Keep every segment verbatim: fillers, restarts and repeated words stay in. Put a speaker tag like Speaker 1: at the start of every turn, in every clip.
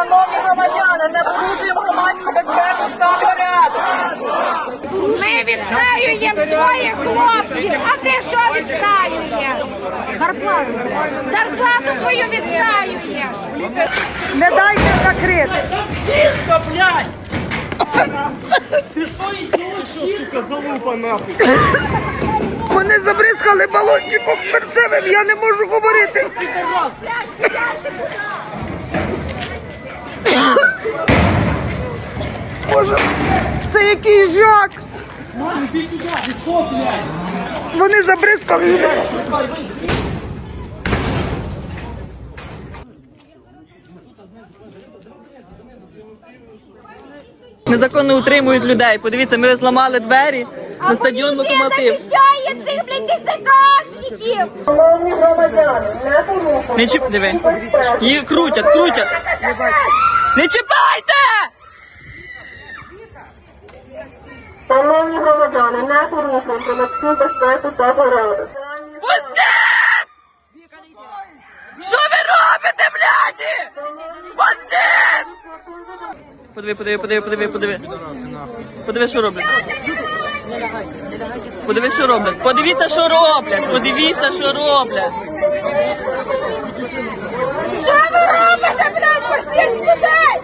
Speaker 1: Шановні громадяни, не порушуємо громадську безпеку та порядок.
Speaker 2: Ми відстаюємо своїх хлопців, а ти що відстаюєш? Зарплату. Зарплату свою відстаюєш.
Speaker 3: Не дайте закрити.
Speaker 4: Тихо, блядь! Ти що, ідіот, що, сука, залупа нахуй?
Speaker 3: Вони забризкали балончиком перцевим, я не можу говорити. Боже, це який жах.
Speaker 4: Мам, іди сюди, відход, блядь!
Speaker 3: Вони забризкали людей.
Speaker 5: Незаконно утримують людей. Подивіться, ми зламали двері на стадіон «Локомотив».
Speaker 2: захищає цих, блядь, ДЗКшників!
Speaker 1: Шановні громадяни, не порушуємо.
Speaker 5: Не чіп... Диви. Їх крутять, крутять. Не чіпайте!
Speaker 1: Шановні громадяни, не порушуємо громадську безпеку та порядок.
Speaker 5: Пустіть! Що ви робите, бляді? Пустіть! Подиви, подиви, подиви, подиви, подиви. Подиви, що роблять. Подиви, що роблять. Подивіться, що роблять. Подивіться, що роблять.
Speaker 2: Що ви робите, блядь, пустіть людей!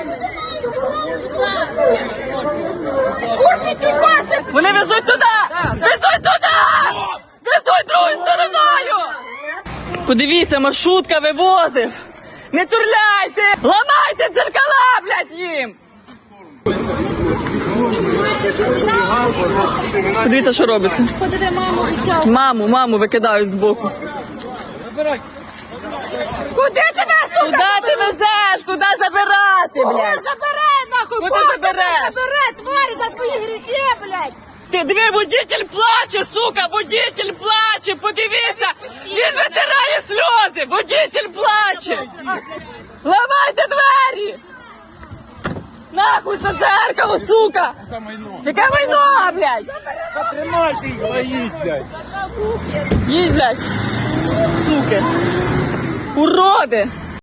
Speaker 2: Курні ці коси!
Speaker 5: Вони везуть туди! Везуть туди! Везуть другою стороною! Подивіться, маршрутка вивозив! Не турляйте! Ламайте дзеркала, блядь, їм! Подивіться, що робиться.
Speaker 2: Подиви, маму, відтягуй.
Speaker 5: Маму, маму викидають збоку.
Speaker 2: Куди тебе, сука?
Speaker 5: Куди ти везеш? Куди забирати, блядь?
Speaker 2: Забирай, нахуй!
Speaker 5: Куди
Speaker 2: Бог
Speaker 5: забереш?
Speaker 2: тебе Забирай, тварі, за твої гріхи, блядь!
Speaker 5: Ти диви, водитель плаче, сука, водитель плаче, подивіться, він витирає сльози, водитель плаче. Ламайте двері! Нахуй це дзеркало, сука! Яке майно, блядь?
Speaker 4: Тримайте їх, воїть, блядь!
Speaker 5: Їдь, блядь, суки, уроди!